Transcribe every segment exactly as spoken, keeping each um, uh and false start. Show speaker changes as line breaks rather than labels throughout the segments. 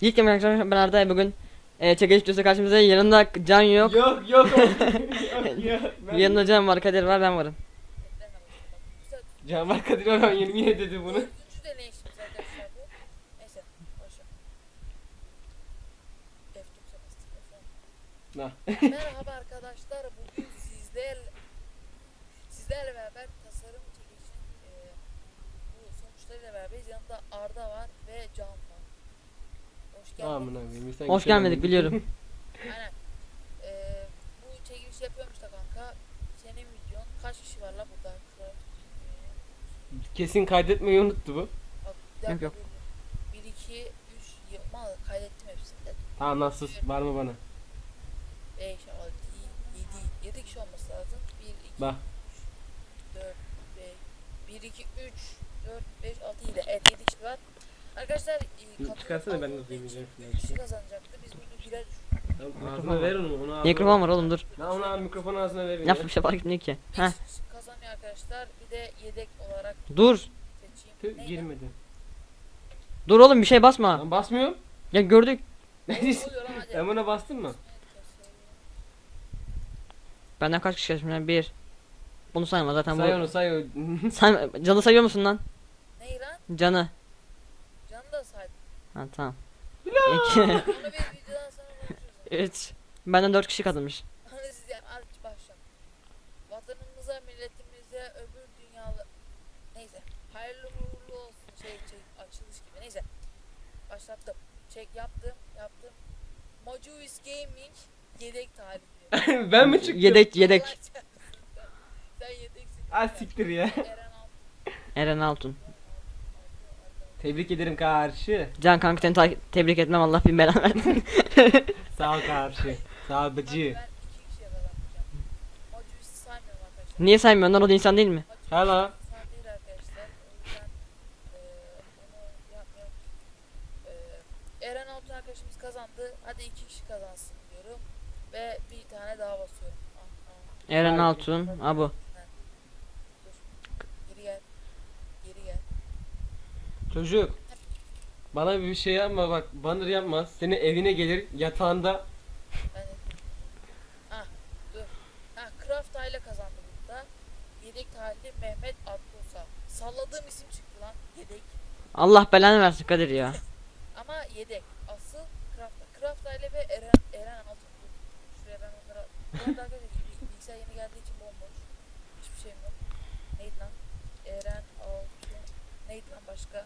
İlk yemek arkadaşlar ben Arda'ya bugün e, çekiliş videosu karşımıza yanında Can yok.
Yok yok yok yok. Ben...
Yanında Can var, Kadir var, ben varım.
Canberk Kadir Orhan yirmi dedi bunu.
Üçüncü deneyişimiz arkadaşlar bu. Neyse boşver. F çok
Na.
Merhaba arkadaşlar, bugün sizlerle sizlerle beraber tasarım çekilişinin e, bu sonuçlarıyla beraberiz. Yanımda Arda var ve Can var. Hoş
Aman
geldiniz.
abi.
Hoş gelmedik biliyorum.
Aynen. E, bu çekiliş yapıyormuş da kanka. Senin videon kaç kişi var la burada?
Kesin kaydetmeyi unuttu bu.
Bak, bir dakika,
Yok, yok.
bir, iki, üç, yapma kaydettim hepsini.
Tamam nasıl var mı bana?
beş, altı, yedi, yedi kişi olması lazım. bir, iki,
Bak.
dört, beş, bir, iki, üç, dört, beş, altı, yedi. Evet, yedi kişi var. Arkadaşlar, e,
Çıkarsana, ben de
katılım
duymayacağım
olduğu
şimdi.
için üç kişi kazanacaktı. Biz bunu birer
Tamam, ağzına ver onu. onu ağzına
Mikrofon var oğlum, dur.
Lan onu al, mikrofonu ağzına ver.
Laf bir şey fark etmiyor ki.
bir
Heh.
kişi kazanıyor arkadaşlar. Bir de yedek olarak
Dur.
seçeyim.
Tüh,
Neydi?
girmedi.
Dur oğlum, bir şey basma.
Lan basmıyorum.
Ya gördük.
Ne oluyor lan, hadi.
Sen buna bastın mı?
Benden kaç kişi yaşmış? Bir. Bunu sayma zaten
Say
bu.
onu say o.
Say, Can'ı sayıyor musun lan?
Ney lan?
Can'ı.
Canı da saydım.
Ha tamam. İki.
Onu bir videodan sonra konuşuruz.
Üç. Benden dört kişi katılmış.
Hani siz yani aç başla. Vatanımıza, milletimize, öbür dünyalı... Neyse. Hayırlı uğurlu olsun. Şey, şey, açılış gibi. Neyse. Başlattım. Çek yaptım, yaptım. Mojuis Gaming yedek tarihi.
Ben mi çıktım?
Yedek yedek.
Sen yedeksin.
Ah siktir ya.
Eren Altun.
Eren Altun.
Tebrik ederim karşı.
Can kanka seni ta- tebrik etmem, Allah bin belanı versin.
Sağ ol karşı. Sağ ol
Bak,
bıcı.
ben iki kişiye kazanacağım. Mojuis'i saymıyorum arkadaşlar.
Niye saymıyorsun lan, o da insan değil mi?
Mojuis
Hala.
insan değil arkadaşlar. O yüzden eee onu yapmıyorum. Eee Eren Altun arkadaşımız kazandı. Hadi iki kişi kazansın diyorum. Ve bir tane daha basıyorum. Ah, ah.
Eren Altun. Ha bu.
Dur. Geri gel. Geri gel.
Çocuk. Bana bir şey yapma bak. Banner yapma. Senin evine gelir yatağında.
Ben de... Ah dur. Ha, Craft ile kazandı burada. Yedek talihli Mehmet Akdosa. Salladığım isim çıktı lan. Yedek.
Allah belanı versin Kadir ya.
Ama yedek. Asıl Craft. Craft ile ve Eren Eren Altun. Dur. Şuraya ben onlara... Bu arada arkadaşlar bil- bilgisayar yeni geldiği için bomboş. Hiçbir şeyim yok. Neydi lan? Eren Altun. Neydi lan başka?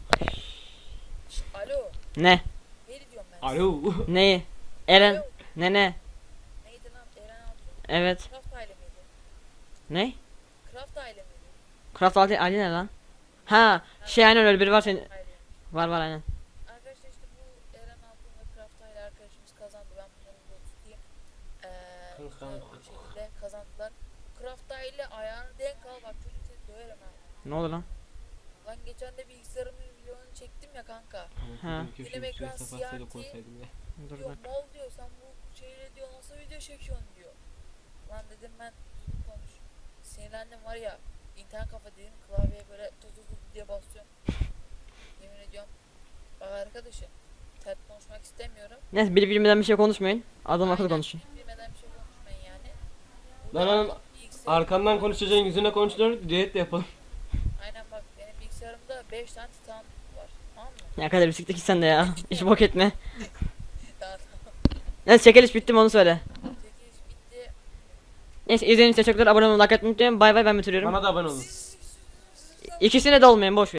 Şş, alo.
Ne?
Neydi diyorum ben.
Alo.
Neyi? Eren.
Alo.
Ne ne?
Neydi lan? Eren Altun.
Evet.
Craft aile miydi?
Ne?
Craft aile miydi?
Craft Ali, Ali ne lan? Ha, şey aynen öyle biri var senin.
Aile.
Var var aynen.
Arkadaşlar işte bu Eren Altun ve Craft aile arkadaşımız kazandı. Ben bunları da tutayım. Eee
Kanka.
güzel bir şekilde kazandılar. Craft aile ayağını denk al, bak çocuk seni döverim ha.
Ne oldu lan?
Lan geçen de bilgisayarımın videonu çektim ya kanka.
Ha.
Film ekran siyah değil.
Dur
Diyor
bak.
mal diyor, sen bu şeyle diyor nasıl video çekiyorsun diyor. Lan dedim ben düzgün konuş. Sinirlendim var ya, internet kafa dedim, klavyeye böyle tuz tuz tuz diye basıyorum. Yemin ediyorum. Bak arkadaşım, sert konuşmak istemiyorum.
Neyse, biri bilmeden bir şey konuşmayın. Adam akıllı
Aynen,
konuşun.
bilmeden bir şey konuşmayın yani.
Lan oğlum,
Bilgisayar-
arkandan konuşacaksın, yüzüne konuşuyor. Düet de yapalım.
Aynen bak, benim bilgisayarımda beş tane titan var. Tamam mı?
Ya Kadir bir siktir git sen de ya. Hiç bok etme.
Daha tamam.
Neyse, çekiliş bitti mi onu söyle.
Çekiliş bitti.
Neyse, izlediğiniz için teşekkürler. Abone olmayı, like etmeyi unutmayın. Bay bay, ben bitiriyorum.
Bana da abone olun.
İkisine de olmayın, boş ver.